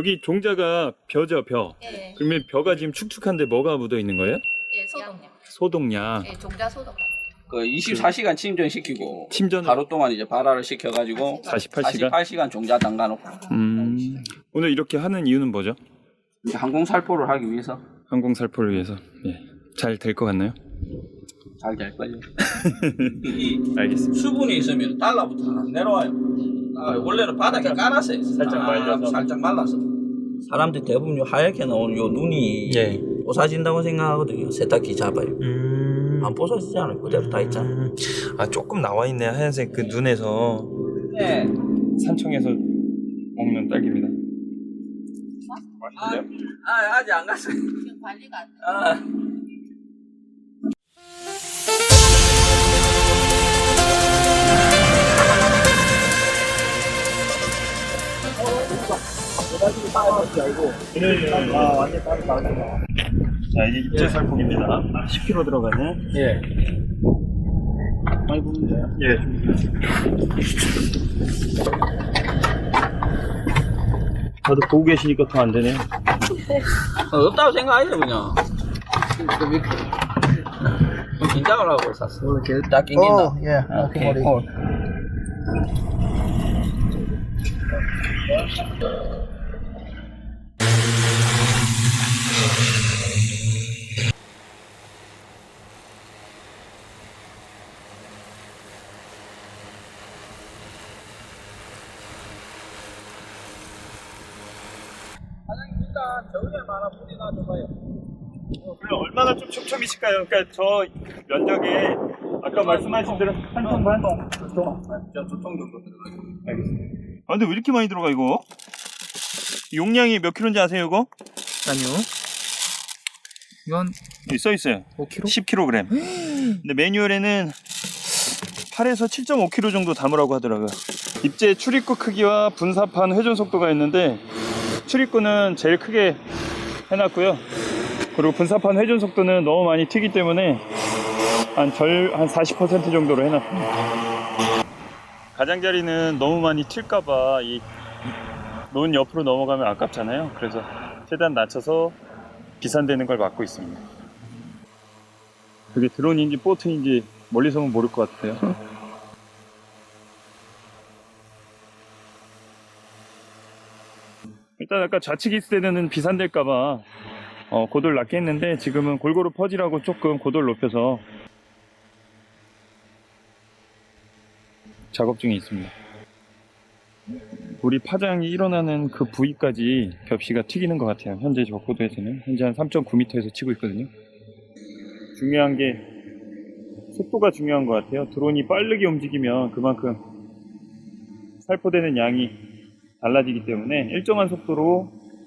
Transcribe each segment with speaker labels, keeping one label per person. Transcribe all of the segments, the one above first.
Speaker 1: 여기 종자가 벼죠, 벼.
Speaker 2: 예.
Speaker 1: 그러면 벼가 지금 축축한데 뭐가 묻어 있는 거예요?
Speaker 2: 예, 소독약.
Speaker 1: 소독약.
Speaker 2: 예, 종자 소독.
Speaker 3: 그 24시간 침전시키고
Speaker 1: 침전을
Speaker 3: 하루 동안 이제 발화를 시켜가지고
Speaker 1: 48시간?
Speaker 3: 48시간 종자 담가놓고
Speaker 1: 오늘 이렇게 하는 이유는 뭐죠?
Speaker 3: 이제 항공 살포를 하기 위해서
Speaker 1: 항공 살포를 위해서. 예. 잘 될 것 같나요?
Speaker 3: 잘 될 거예요. 이
Speaker 1: 알겠습니다.
Speaker 3: 수분이 있으면 달라붙어 안 내려와요. 원래는 바닥에 깔았어요.
Speaker 1: 살짝 말려서.
Speaker 3: 살짝 말라서. 사람들이 대부분 요 하얗게 나오는 요 눈이
Speaker 1: 예.
Speaker 3: 부서진다고 생각하거든요. 세탁기 잡아요. 안 부서지지 않아요. 그대로 다 있잖아.
Speaker 1: 아, 조금 나와 있네. 하얀색 그 눈에서.
Speaker 3: 네.
Speaker 1: 산청에서 먹는 딸기입니다. 맛있는데요?
Speaker 3: 아직 안 갔어요.
Speaker 2: 지금 관리가 안 돼.
Speaker 1: 자, 이게 입제 살폭입니다. 10kg 들어가는.
Speaker 3: 예. 많이 부는데요?
Speaker 1: 예. 다들 보고 계시니까 더 안 되네요.
Speaker 3: 없다고 생각하죠 그냥. 긴장을 하고 샀어. 원래 계속 딱 낑긴다.
Speaker 4: Yeah,
Speaker 3: 오케이. 사장님 일단 저울에만 하나 물이 놔줘봐요.
Speaker 1: 그럼 얼마나 좀 촘촘이실까요? 그러니까 저 면적에 아까 말씀하신 대로 한 통 반?
Speaker 3: 두통 정도 들어가요.
Speaker 1: 알겠습니다. 아, 근데 왜 이렇게 많이 들어가 이거? 용량이 몇 킬로인지 아세요 이거?
Speaker 4: 아니요. 이건
Speaker 1: 여기 써있어요.
Speaker 4: 5kg?
Speaker 1: 10kg. 근데 매뉴얼에는 8에서 7.5kg 정도 담으라고 하더라고요. 입제 출입구 크기와 분사판 회전 속도가 있는데 출입구는 제일 크게 해놨고요. 그리고 분사판 회전 속도는 너무 많이 튀기 때문에 한 40% 정도로 해놨습니다. 가장자리는 너무 많이 튈까봐 이 논 옆으로 넘어가면 아깝잖아요. 그래서 최대한 낮춰서 비산되는 걸 막고 있습니다. 그게 드론인지 보트인지 멀리서 보면 모를 것 같아요. 일단 아까 좌측 있을 때는 비산될까봐 고도를 낮게 했는데 지금은 골고루 퍼지라고 조금 고도를 높여서 작업 중에 있습니다. 우리 파장이 일어나는 그 부위까지 겹씨가 튀기는 것 같아요. 현재 저 고도에서는 현재 한 3.9m에서 치고 있거든요. 중요한 게 속도가 중요한 것 같아요. 드론이 빠르게 움직이면 그만큼 살포되는 양이 달라지기 때문에 일정한 속도로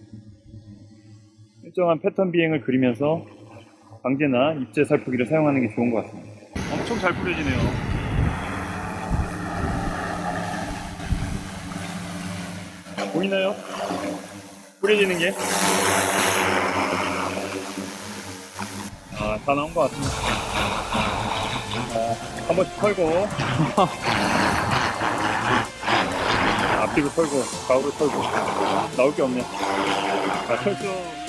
Speaker 1: 일정한 패턴 비행을 그리면서 방제나 입제 살포기를 사용하는 게 좋은 것 같습니다. 엄청 잘 뿌려지네요. 보이나요? 뿌려지는 게? 아, 다 나온 것 같습니다. 한 번씩 털고 앞뒤로 털고 좌우로 털고 나올 게 없네. 자, 철수